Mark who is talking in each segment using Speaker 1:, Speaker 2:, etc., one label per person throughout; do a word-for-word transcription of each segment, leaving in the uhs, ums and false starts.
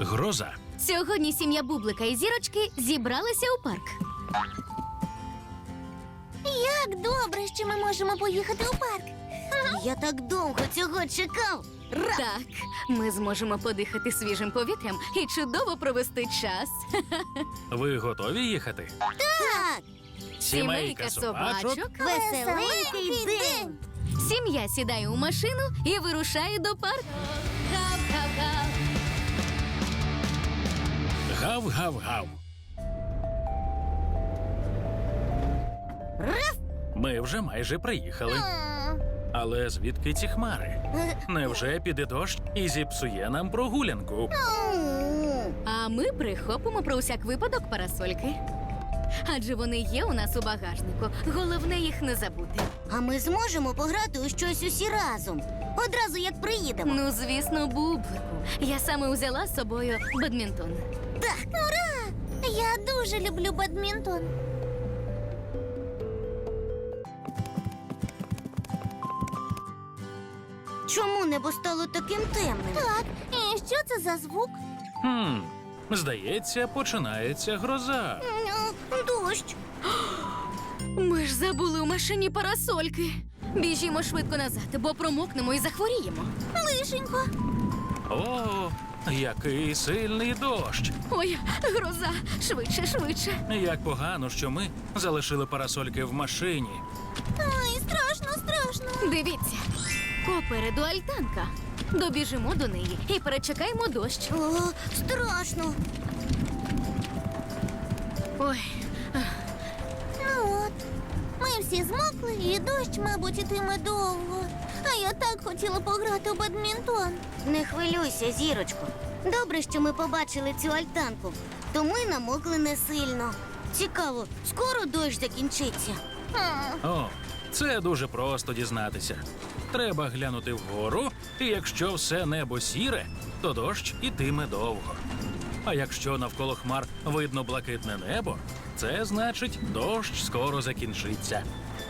Speaker 1: Гроза.
Speaker 2: Сьогодні сім'я Бублика і Зірочки зібралися у парк.
Speaker 3: Як добре, що ми можемо поїхати у парк. Я так довго цього чекав. Ра!
Speaker 2: Так, ми зможемо подихати свіжим повітрям і чудово провести час.
Speaker 1: Ви готові їхати?
Speaker 3: Так!
Speaker 1: Сімейка собачок.
Speaker 3: Веселенький день!
Speaker 2: Сім'я сідає у машину і вирушає до парку. Гав-гав-гав.
Speaker 1: Гав-гав-гав.
Speaker 3: Раф!
Speaker 1: Ми вже майже приїхали.
Speaker 3: А.
Speaker 1: Але звідки ці хмари? Невже піде дощ і зіпсує нам прогулянку?
Speaker 2: А ми прихопимо про усяк випадок парасольки. Адже вони є у нас у багажнику. Головне їх не забути.
Speaker 3: А ми зможемо пограти у щось усі разом. Одразу як приїдемо.
Speaker 2: Ну, звісно, Бублику. Я саме узяла з собою бадмінтон.
Speaker 3: Так! Ура! Я дуже люблю бадмінтон. Чому небо стало таким темним? Так, і що це за звук?
Speaker 1: Хм, здається, починається гроза.
Speaker 3: Дощ.
Speaker 2: Ми ж забули у машині парасольки. Біжімо швидко назад, бо промокнемо і захворіємо.
Speaker 3: Лишенько.
Speaker 1: О, який сильний дощ!
Speaker 2: Ой, гроза! Швидше, швидше.
Speaker 1: Як погано, що ми залишили парасольки в машині.
Speaker 3: Ой, страшно, страшно.
Speaker 2: Дивіться, попереду альтанка. Добіжимо до неї і перечекаємо дощ.
Speaker 3: О, страшно.
Speaker 2: Ой,
Speaker 3: Ну от, ми всі змокли, і дощ, мабуть, ітиме довго. А я так хотіла пограти у бадмінтон. Не хвилюйся, Зірочко. Добре, що ми побачили цю альтанку, то ми намокли не сильно. Цікаво, скоро дощ закінчиться.
Speaker 1: О, це дуже просто дізнатися. Треба глянути вгору, і якщо все небо сіре, то дощ ітиме довго. А якщо навколо хмар видно блакитне небо, це значить, дощ скоро закінчиться.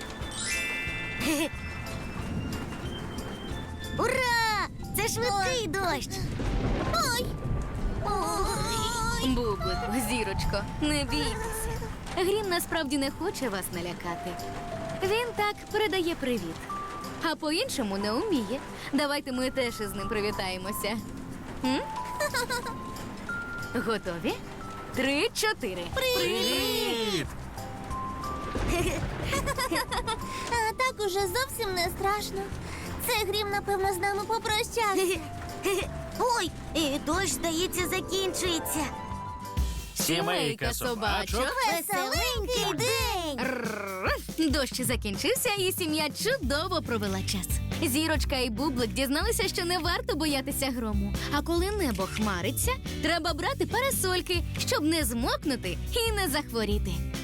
Speaker 3: Ура! Це швидкий дощ. Ой! Ой!
Speaker 2: Бублику, Зірочко, не бійтеся. Грім насправді не хоче вас налякати. Він так передає привіт. А по-іншому не вміє. Давайте ми теж із ним привітаємося. М? Готові? Три, чотири.
Speaker 1: Привіт!
Speaker 3: А так уже зовсім не страшно. Це Грім, напевно, з нами попрощався. Ой, і дощ, здається, закінчується.
Speaker 1: Сімейка собачок.
Speaker 3: Веселенький день!
Speaker 2: Рррр. Дощ закінчився, і сім'я чудово провела час. Зірочка і Бублик дізналися, що не варто боятися грому. А коли небо хмариться, треба брати парасольки, щоб не змокнути і не захворіти.